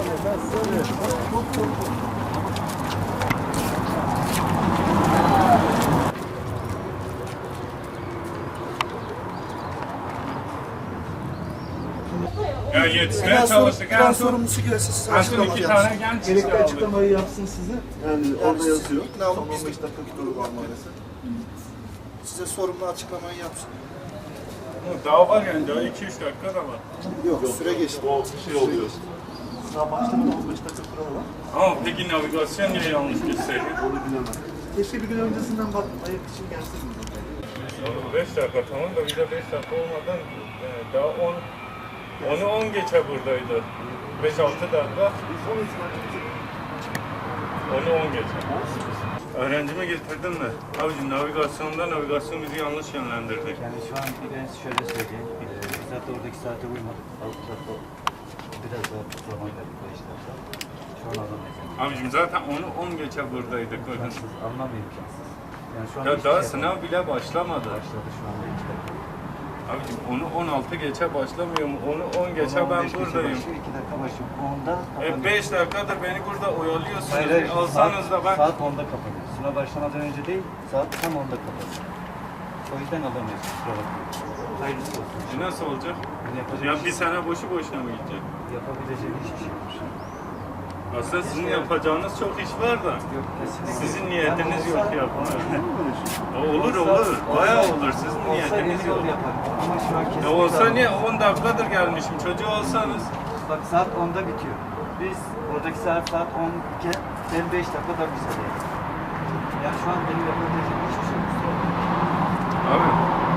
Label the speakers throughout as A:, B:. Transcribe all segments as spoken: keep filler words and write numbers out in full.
A: Ya yetişmeye çalıştık. En son
B: sorumlusu gelsin size
A: en son
B: açıklama
A: iki
B: yapsın.
A: tane genç
B: Gerekli
A: çıktı.
B: açıklamayı yapsın size.
C: Yani orada yazıyor.
B: Ne alıp
C: Son
B: biz
C: on beş dakika durum var maalesef.
B: size sorumlu açıklamayı yapsın.
A: Daha var yani, daha iki üç dakika da var.
B: Yok, süre geçti.
C: O şey oluyor. Sınav başlamadan on beş dakika kuralı var.
A: Ama peki navigasyon niye yanlış gösteriyor?
C: Onu bilemem. Keşke bir gün öncesinden bakıp ayak için gelsin.
A: beş dakika tamam da bir de beş dakika olmadan e, daha on onu on geçe buradaydı. beş altı dakika.
C: Biz on itibariyle
A: Onu on geçe. Öğrencimi getirdin mi? Abicim navigasyonda navigasyon bizi yanlış yönlendirdi.
D: Yani şu an bir ben şöyle söyleyeyim. Ee, biz zaten oradaki saate uymadık. Altı dakika biraz daha zaman verdik beş dakika. Şu an alamayız. Yani.
A: Abicim zaten onu on geçe buradaydık. Bakın.
D: İmkansız, almam imkansız. Yani şu an
A: Ya
D: hiçbir
A: daha
D: şey
A: sınav bile başlamadı.
D: başladı şu anda iki dakika.
A: Abicim onu on altı geçe başlamıyor mu? Onu on geçe
D: on
A: ben
D: beş geçe
A: buradayım.
D: başlıyor, iki dakika başlıyor. onda
A: E
D: kapanıyor.
A: beş dakikadır beni burada oyalıyorsunuz.
D: Hayır, hayır,
A: Alsanız
D: saat,
A: da ben...
D: Saat onda kapanıyor. Sınav başlamadan önce değil, saat tam onda kapanıyor. O yüzden alamıyoruz. Kusura bakmayın. Hayırlısı olsun.
A: E nasıl olacak?
D: Yani yapacak
A: Ya
D: bir
A: bir
D: şey-
A: sene boşu boşuna mı gidecek?
D: yapabileceğim hiçbir şey yok.
A: Aslında sizin yapacağınız çok iş var da.
D: Yok kesinlikle.
A: Sizin niyetiniz
D: Yani
A: yok
D: olsa-
A: yapmaya.
D: Olsa-
A: Olur olur. Bayağı
D: olsa-
A: olur. Sizin
D: olsa
A: niyetiniz
D: emin
A: yok.
D: ol yaparım. Ama şu an
A: Ya
D: kesinlikle
A: olsa
D: alamam.
A: niye on dakikadır gelmişim. Çocuğu olsanız.
D: Bak saat onda bitiyor. Biz oradaki saat saat on iken ben beş dakika da bize değil. Yani şu an benim yapabileceğim hiçbir şey yok.
A: Abi.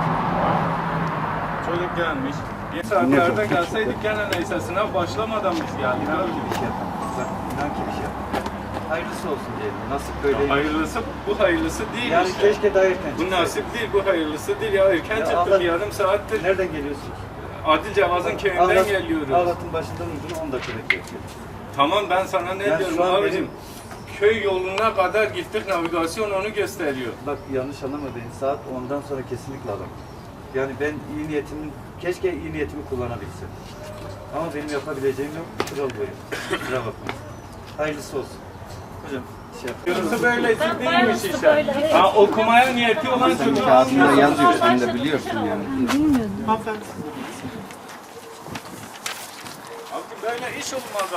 A: Çocuk gelmiş. Bir saatlerde gelseydik gene neyse sınav başlamadan biz geldik
D: İnan
A: abi.
D: ki bir şey yapamam. Bak inan ki bir şey yapamam. Hayırlısı olsun diyelim. Nasip böyle.
A: Ya hayırlısı bu hayırlısı değil
D: Yani
A: işte.
D: keşke daha erken
A: Bu
D: çıksaydı.
A: nasip değil, bu hayırlısı değil. Ya erken
D: Ya
A: çıktık
D: Allah-
A: yarım saattir.
D: Nereden geliyorsunuz?
A: Adil Cevaz'ın köyünden
D: Ağlat-
A: geliyoruz.
D: Ağlat'ın başından ucuna on dakika bekliyoruz.
A: Tamam ben sana ne
D: Yani
A: diyorum
D: şu an
A: abicim?
D: benim-
A: Köy yoluna kadar gittik, navigasyon onu gösteriyor.
D: Bak yanlış anlama beni. Saat ondan sonra kesinlikle alamam. Yani ben iyi niyetimi, keşke iyi niyetimi kullanabilsem. Ama benim yapabileceğim yok. Kural boyu. Kusura bakmayın. Hayırlısı olsun. Hocam şey yap.
A: Yarısı böylesi değilmiş işte. Ha, okumaya niyeti olan çocuğu
E: Kağıdında
A: almıyor.
E: yazıyor, sen de biliyorsun yani.
A: Abi böyle iş olmaz.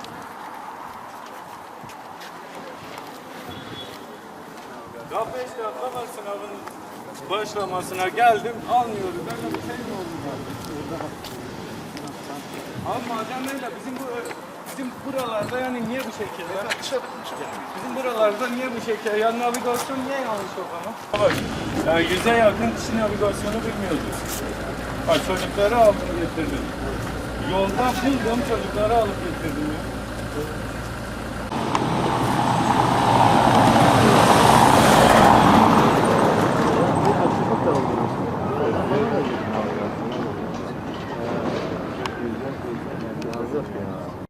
A: Daha beş dakika var sınavın başlamasına geldim, almıyoruz. Böyle bir şey mi oldu ya? Abi madem öyle bizim bu bizim buralarda yani niye bu şekilde? Bizim buralarda niye bu şekilde? Ya navigasyon niye yanlış o zaman? Bak, ya yüze yakın kişi navigasyonu bilmiyordu. Bak çocukları aldım getirdim. Yolda buldum çocukları alıp getirdim ya.